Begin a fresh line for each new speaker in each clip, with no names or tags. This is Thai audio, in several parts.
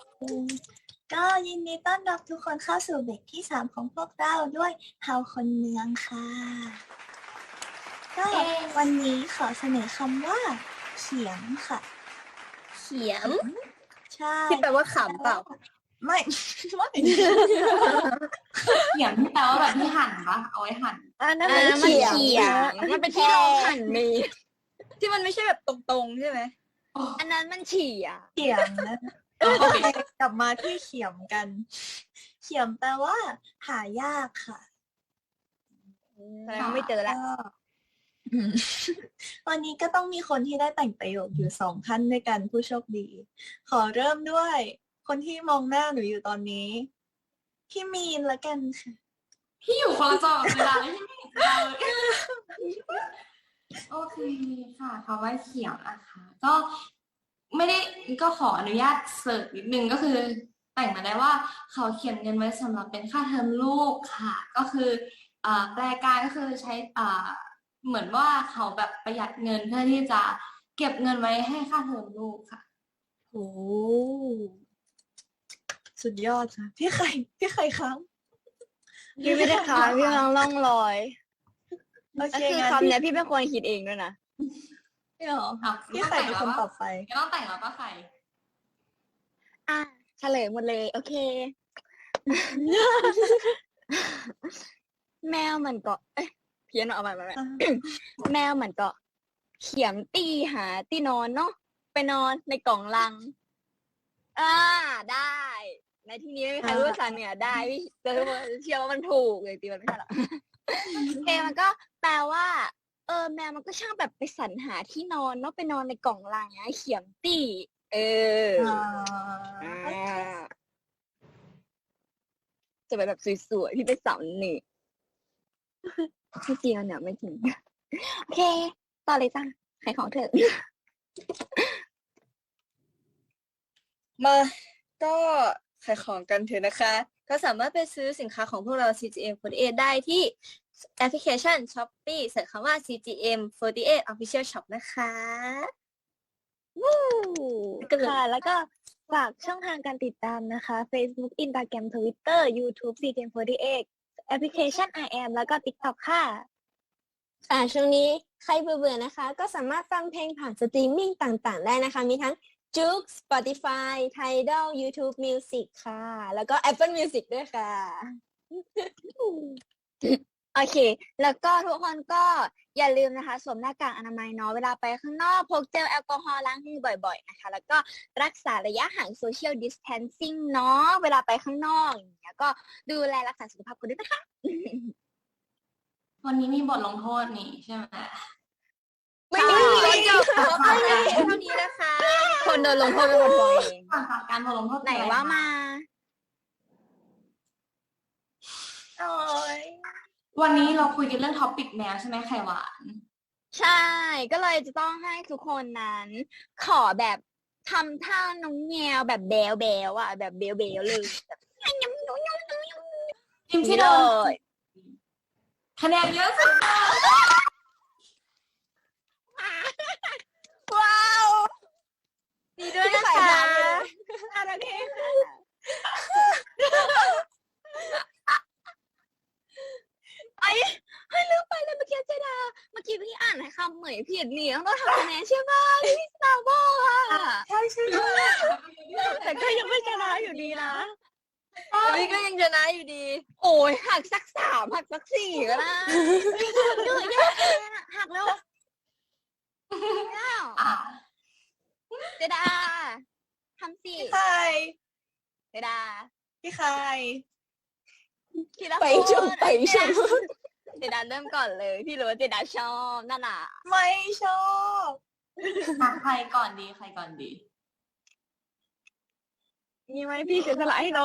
อืมก็ยินดีต้อนรับทุกคนเข้าสู่เบรกที่3ของพวกเราด้วยเฮาคนเมืองค่ะก็วันนี้ขอเสนอคำว่าเขียงค่ะ
เขียม
ใช่
ที่แปลว่าขำเปล่า
ไม่ไม่
เขียงที่แปลว่าแบบที่หั่นปะเอาไว้หั่น
นั่นมันเขียงมันเป็นที่รองหั่นมีที่มันไม่ใช่แบบตรงๆใช่ไหมอันนั้นมันเฉียง
เขียงนะกลับมาที่เขียมกันเขียมแปลว่าหายากค่ะ
แสดงว่าไม่เจอแล้ว
วันนี้ก็ต้องมีคนที่ได้แต่งประโยคอยู่2 ท่านด้วยกันผู้โชคดี ขอเริ่มด้วยคนที่มองหน้าหนูอยู่ตอนนี้พี่มีนละกันค่ะ
พี่อยู่คนละจอกับเวลาเลยพี่ไม่เห็นเราเลยโอเคค่ะคำว่าเขียงนะคะก็ไม่ได้ก็ขออนุญาตเสิร์ชนิดนึงก็คือแต่งมาได้ว่าเขาเขียนเงินไว้สำหรับเป็นค่าเทอมลูกค่ะก็คือแปลการก็คือใช้เหมือนว่าเขาแบบประหยัดเงินเพื่อที่จะเก็บเงินไว้ให้ค่าเทอมลูกค่ะ
โอ้สุดยอดค่ะพี่ไข่ครับ
พี่ไม่ได้ค้างพี่กำลังล่องลอย
โอ
ก็
เค
คือ
งั้น
คำเนี้ยพี่เป็นคนคิดเองด้วยนะ
พี่หรอพี่ไข่เป็นคนตอบไป
ก็ต้องแต่งแล้วป่ะไข่
เฉลยหมดเลยโอเค แมวมันก็เพี้ยนเอาไป แมวมันก็เขียมตีหาที่นอนเนาะไปนอนในกล่องลังได้ ในที่นี้ไม่มีใครรู้ภาษาเหนือได้พี่เชื่อว่ามันถูกเลยตีมันไม่ใช่หรอกเพลงมันก็แปลว่าแมวมันก็ช่างแบบไปสรรหาที่นอนเนาะไปนอนในกล่องลังไงเขียมตีจะไปแบบสวยๆพี่ไปสาวเหนือไม่จริงอ่ะเนี่ยไม่จริงโอเคต่อเลยจ้าขายของเถอะมาก็ขายของกันเถอะนะคะก็สามารถไปซื้อสินค้าของพวกเรา CGM48 ได้ที่แอปพลิเคชัน Shopee เสิร์ชคำว่า CGM48 Official Shop นะคะวู้ค่ะแล้วก็ฝากช่องทางการติดตามนะคะ Facebook Instagram Twitter YouTube CGM48 แอปพลิเคชัน IM แล้วก็ TikTok ค่ะช่วงนี้ใครเบื่อๆนะคะ ก็สามารถฟังเพลงผ่านสตรีมมิ่งต่างๆได้นะคะ มีทั้ง Joox Spotify Tidal YouTube Music ค่ะ แล้วก็ Apple Music ด้วยค่ะ โอเค แล้วก็ทุกคนก็อย่าลืมนะคะสวมหน้ากากอนามัยเนาะเวลาไปข้างนอกพกเจลแอลกอฮอล์ล้างมือบ่อยๆนะคะแล้วก็รักษาระยะห่าง Social Distancing เนาะเวลาไปข้างนอกอย่างเงี้ยก็ดูแลรักษาสุขภาพกันด้วยนะคะ
วันนี้มีบทลงโทษนี่ใช่ไหม
ไม่มีจบเท่านี้นะคะ คนโดนลงโทษเป็นคนตัวเอง
ก่อนจากการบทลงโทษ
ไหนว่ามา
โอ้ย
วันนี้เราคุยกันเรื่องท็อปิกแมวใช่ไหมไข่หวาน
ใช่ ก็เลยจะต้องให้ทุกคนนั้น ขอแบบทำท่าน้องแงวแบบแบวแบวอ่ะแบบเบลเบลเลยแบบ
ทีมที่โดนคะแนนเยอะสุด
ว้าวดีด้วยนะคะโอเคเฮ้ยลืมไปเลยเมื่อกี้เจดาเมื่อกี้พี่อ่านคำเหมยผิดนี่ต้องทำคะแนนใช่ไหมพี่สาวบอกอ่ะ
ใช่
แต่ก็ยังไม่ชนะอยู่ดีนะพี่ก็ยังชนะอยู่ดี โอ้ยหักสัก3หักสัก4ก็ได้เยอะแยะหักแล้วเจดาทำสิ
พี่ไข่
เจดา
พี่ไข่
ทีละคน
ไปชม
เจดาเริ่มก่อนเลยพี่รู้ว่าเจดาชอบนั่นน่ะ
ไม่ชอบ
ใครก่อนดีใครก่อนดี
นี่ไหมพี่เสียสละให้น้อง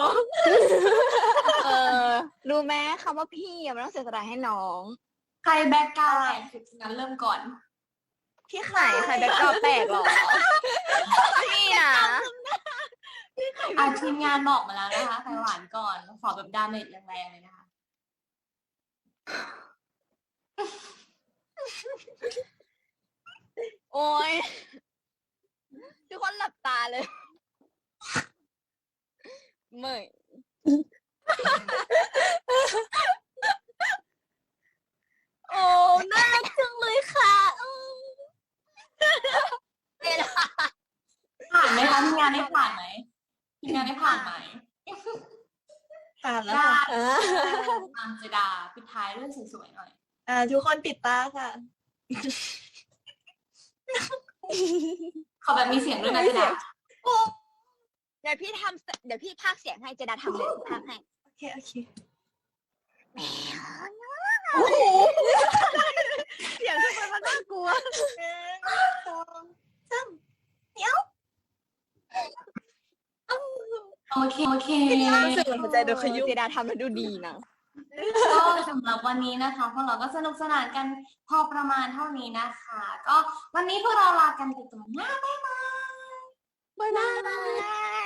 รู้ไหมคำว่าพี่มันต้องเสียสละให้น้อง
ใครแบ็กกราวด์แตกสุดงั้นเริ่มก่อน
พี่
ไหน
ไข่
ใครแบ็คกราวด์แตกหรอ พี่นะ
ทีมงานบอกมาแล้วนะคะไข่หวานก่อนขอแบบดาเมจแรงๆเลยนะคะ
โอ้ยทุกคนหลับตาเลยไม่ โอ้น่ารักจังเลยค่ะ
ผ่านไหมคะทีมงานได้ผ่านไหมทีมงานได้ผ่านไหม
ผ่านแล้ว
ได้
ค่ะ
อังเจดาปิดท้ายเรื่องสวยๆหน่อย
ทุกคนปิดตาค่ะ
ขอแบบมีเสียงด้วยนะเจดา
เดี๋ยวพี่พากย์เสียงให้เจดาทำเลยพากย์ให้
โอเค โอเค
เสียงทุกคนมันน่ากลัว
1 2 3เดี๋ยว
โอเค
รู้สึกเหมือนหัวใจโดนขยุ้มเจดาทำแล้วดูดีนะ
ก็สำหรับวันนี้นะคะพวกเราก็สนุกสนานกันพอประมาณเท่านี้นะคะ ก็วันนี้พวกเราลากันไปก่อนนะบ๊ายบาย
บ๊ายบาย